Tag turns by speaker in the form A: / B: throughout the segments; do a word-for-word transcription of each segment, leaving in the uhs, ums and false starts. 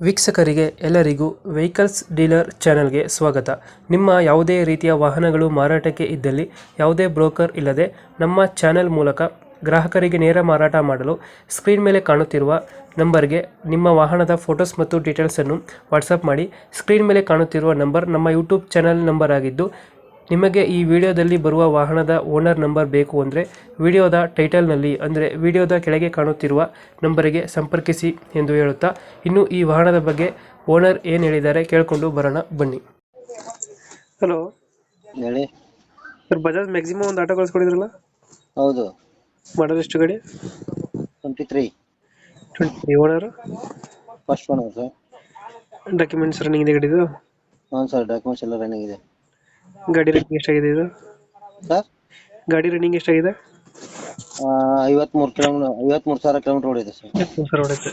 A: ವೀಕ್ಷಕರಿಗೆ ಎಲ್ಲರಿಗೂ vehicles dealer ಚಾನೆಲ್ಗೆ ಸ್ವಾಗತ. ನಿಮ್ಮ ಯಾವುದೇ ರೀತಿಯ ವಾಹನಗಳು ಮಾರಾಟಕ್ಕೆ ಇದ್ದಲ್ಲಿ ಯಾವುದೇ ಬ್ರೋಕರ್ ಇಲ್ಲದೆ ನಮ್ಮ ಚಾನೆಲ್ ಮೂಲಕ ಗ್ರಾಹಕರಿಗೆ ನೇರ ಮಾರಾಟ ಮಾಡಲು ಸ್ಕ್ರೀನ್ ಮೇಲೆ ಕಾಣುತ್ತಿರುವ ನಂಬರ್ಗೆ ನಿಮ್ಮ ವಾಹನದ ಫೋಟೋಸ್ ಮತ್ತು ಡೀಟೇಲ್ಸನ್ನು ವಾಟ್ಸಪ್ ಮಾಡಿ. ಸ್ಕ್ರೀನ್ ಮೇಲೆ ಕಾಣುತ್ತಿರುವ ನಂಬರ್ ನಮ್ಮ ಯೂಟ್ಯೂಬ್ ಚಾನೆಲ್ ನಂಬರ್ ಆಗಿದ್ದು, ನಿಮಗೆ ಈ ವಿಡಿಯೋದಲ್ಲಿ ಬರುವ ವಾಹನದ ಓನರ್ ನಂಬರ್ ಬೇಕು ಅಂದರೆ ವಿಡಿಯೋದ ಟೈಟಲ್ನಲ್ಲಿ ಅಂದರೆ ವಿಡಿಯೋದ ಕೆಳಗೆ ಕಾಣುತ್ತಿರುವ ನಂಬರಿಗೆ ಸಂಪರ್ಕಿಸಿ ಎಂದು ಹೇಳುತ್ತಾ, ಇನ್ನು ಈ ವಾಹನದ ಬಗ್ಗೆ ಓನರ್ ಏನು ಹೇಳಿದ್ದಾರೆ ಕೇಳಿಕೊಂಡು ಬರೋಣ ಬನ್ನಿ. ಹಲೋ
B: ಹೇಳಿ
A: ಸರ್, ಬಜಾಜ್ ಮ್ಯಾಕ್ಸಿಮಮ್ ಒಂದು ಆಟೋ ಕಳಿಸ್ಕೊಡಿದ್ರಲ್ಲ,
B: ಹೌದು.
A: ಮಾಡಲ್ ಎಷ್ಟು ಗಾಡಿ?
B: Twenty three
A: twenty three owner.
B: First one sir.
A: Documents running ಇದೆ ಗಾಡಿದು?
B: ಹಾಂ ಸರ್, ಡಾಕ್ಯುಮೆಂಟ್ಸ್ ಎಲ್ಲ ರನ್ನಿಂಗ್ ಇದೆ.
A: ಗಾಡಿ ರನ್ನಿಂಗ್ ಎಷ್ಟಾಗಿದೆ ಇದು?
B: ಸರ್
A: ಗಾಡಿ ರನ್ನಿಂಗ್ ಎಷ್ಟಾಗಿದೆ?
B: ಐವತ್ಮೂರು ಕಿಲೋಮೀಟರ್ ಐವತ್ಮೂರು ಸಾವಿರ ಕಿಲೋಮೀಟರ್ ಓಡಿದೆ ಸರ್.
A: ಸರ್ ಹೊಡೆಯುತ್ತೆ.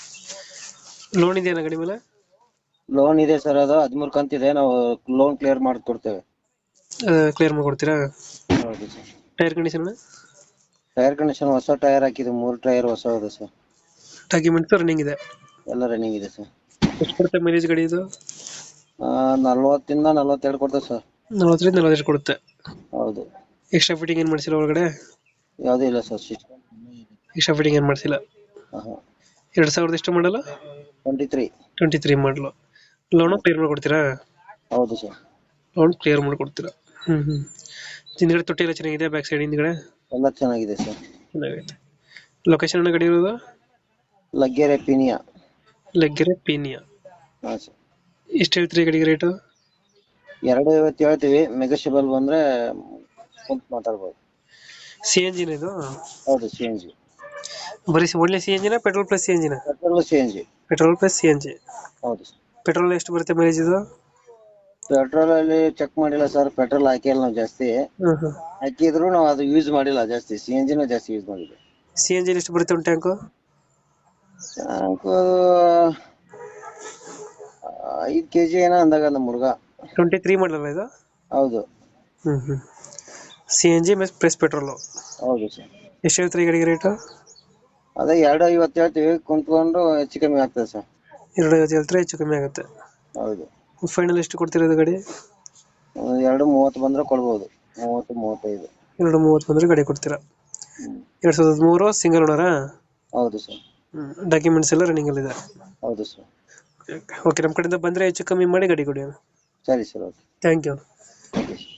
A: ಲೋನ್ ಇದೆಯಾ ಗಾಡಿ ಮೇಲೆ?
B: ಲೋನ್ ಇದೆ ಸರ್, ಅದು ಹದಿಮೂರು ಕಂತಿದೆ. ನಾವು ಲೋನ್ ಕ್ಲಿಯರ್ ಮಾಡಿ ಕೊಡ್ತೇವೆ.
A: ಕ್ಲಿಯರ್ ಮಾಡ್ಕೊಡ್ತೀರಾ?
B: ಹೌದು sir.
A: Tyre condition?
B: Tyre condition ಹೊಸ ಟೈರ್ ಹಾಕಿದೆ, ಮೂರು ಟೈರ್ ಹೊಸ ಇದೆ ಸರ್.
A: ಡಾಕ್ಯುಮೆಂಟ್ಸ್ ರನ್ನಿಂಗ್ ಇದೆ?
B: ಎಲ್ಲ ರನ್ನಿಂಗ್ ಇದೆ ಸರ್.
A: ಎಷ್ಟು ಕೊಡುತ್ತೆ ಮೈಲೇಜ್ ಗಾಡಿ ಇದು?
B: ನಲ್ವತ್ತಿಂದ ನಲ್ವತ್ತೆರಡು ಕೊಡ್ತೇವೆ ಸರ್.
A: ನಲವತ್ತರಿಂದ ನಲವತ್ತೆರಡು ಕೊಡುತ್ತೆ.
B: ಹೌದು.
A: ಎಕ್ಸ್ಟ್ರಾ ಫಿಟ್ಟಿಂಗ್ ಏನು ಮಾಡಿಸಿಲ್ಲ ಒಳಗಡೆ?
B: ಯಾವುದೂ ಇಲ್ಲ ಸರ್.
A: ಎಕ್ಸ್ಟ್ರಾ ಫಿಟ್ಟಿಂಗ್ ಏನು ಮಾಡಿಸಿಲ್ಲ.
B: ಹಾಂ.
A: ಎರಡು ಸಾವಿರದ ಎಷ್ಟು ಮಾಡಲ್ಲ?
B: Twenty three
A: twenty three model. Loan clear ಮಾಡಿಕೊಡ್ತೀರಾ?
B: ಹೌದು ಸರ್.
A: ಲೋನ್ ಕ್ಲಿಯರ್ ಮಾಡಿಕೊಡ್ತೀರಾ? ಹ್ಞೂ ಹ್ಞೂ ಹಿಂದ್ಗಡೆ ತೊಟ್ಟಿ ಎಲ್ಲ ಚೆನ್ನಾಗಿದೆ? ಬ್ಯಾಕ್ ಸೈಡ್ ಹಿಂದ್ಗಡೆ
B: ಎಲ್ಲ ಚೆನ್ನಾಗಿದೆ ಸರ್.
A: ಚೆನ್ನಾಗೈತೆ. ಲೊಕೇಶನ್ ಅನ್ನ ಗಾಡಿ ಇರೋದು?
B: ಲಗ್ಗೆರೆ ಪಿನಿಯಾ.
A: ಲಗ್ಗೆರೆ ಪೀನಿಯಾ.
B: ಹಾಂ ಸರ್.
A: ಎಷ್ಟು ಹೇಳ್ತೀರಿ ಗಾಡಿಗೆ ರೇಟು?
B: ಎರಡು ಐವತ್ತು ಹೇಳ್ತೀವಿ, ಮೆಗಾಶಿಬಲ್ ಬಂದ್ರೆ ಕುಂತು ಮಾತಾಡ್ಬೋದು.
A: ಸಿ ಎಂಜಿನ್ ಇದು?
B: ಹೌದು, ಸಿ ಎನ್ ಜಿ.
A: ಬರೀ ಒಳ್ಳೆ ಸಿ ಎಂಜಿನ ಪೆಟ್ರೋಲ್ ಪ್ಲಸ್ ಸಿ ಎಂಜಿನ?
B: Petrol C N G.
A: Petrol plus C N G.
B: ಹೌದು ಸರ್.
A: ಪೆಟ್ರೋಲ್ ಎಷ್ಟು ಬರುತ್ತೆ ಮೈಲೇಜ್ ಇದು?
B: ಪೆಟ್ರೋಲ್ ಅಲ್ಲಿ ಚೆಕ್ ಮಾಡಿಲ್ಲ ಸರ್, ಪೆಟ್ರೋಲ್ ಹಾಕಿಲ್ಲ ನಾವು ಜಾಸ್ತಿ.
A: ಹ್ಮ್ ಹ್ಮ್
B: ಹಾಕಿದ್ರು ನಾವು ಅದು ಯೂಸ್ ಮಾಡಿಲ್ಲ ಜಾಸ್ತಿ, ಸಿ ಎನ್ ಜಿನ ಜಾಸ್ತಿ ಯೂಸ್ ಮಾಡಿದ್ವಿ.
A: ಸಿ ಎನ್ ಜಿ ಎಷ್ಟು ಬರುತ್ತೆ ಒಂದು ಟ್ಯಾಂಕು?
B: ಟ್ಯಾಂಕು ಐದು ಕೆ ಜಿ ಏನೋ ಅಂದಾಗ ನಮ್ಮ ಹುಡುಗ.
A: ಟ್ವೆಂಟಿ ತ್ರೀ ಮಾಡಲ್ಲ ಇದು?
B: ಹೌದು.
A: ಹ್ಮ್ ಹ್ಮ್ C N G plus petrol.
B: ಹೌದು ಸರ್.
A: ಎಷ್ಟು ಹೇಳ್ತೀರಿ ಈ ಗಾಡಿಗೆ ರೇಟು?
B: ಅದೇ ಎರಡು ಐವತ್ತು ಹೇಳ್ತೀವಿ, ಕುಂತ್ಕೊಂಡು ಹೆಚ್ಚು ಕಮ್ಮಿ ಆಗ್ತದೆ ಸರ್.
A: ಎರಡು ಐವತ್ತು ಹೇಳ್ತಾರೆ, ಹೆಚ್ಚು ಕಮ್ಮಿ ಆಗುತ್ತೆ.
B: ಹೌದು.
A: ಫೈನಲ್ ಎಷ್ಟು ಕೊಡ್ತಿರೋದು ಗಾಡಿ?
B: ಒಂದು ಎರಡು ಮೂವತ್ತು ಬಂದ್ರೆ ಕೊಡ್ಬೋದು. ಮೂವತ್ತು ಮೂವತ್ತೈದು.
A: ಎರಡು ಮೂವತ್ತು ಬಂದ್ರೆ ಗಾಡಿ ಕೊಡ್ತೀರಾ?
B: ಹ್ಮ್.
A: ಎರಡು ಸಾವಿರದ ಮೂರು ಸಿಂಗಲ್ ಓನರಾ?
B: ಹೌದು ಸರ್.
A: ಹ್ಮ್ ಡಾಕ್ಯುಮೆಂಟ್ಸ್ ಎಲ್ಲ ರನ್ನಿಂಗ್ ಅಲ್ಲಿ ಇದೆ?
B: ಹೌದು ಸರ್.
A: ಓಕೆ, ನಮ್ಮ ಕಡೆಯಿಂದ ಬಂದರೆ ಹೆಚ್ಚು ಕಮ್ಮಿ ಮಾಡಿ ಗಾಡಿ ಕೊಡಿ.
B: ಸರಿ sir. Okay.
A: Thank you.
B: Okay.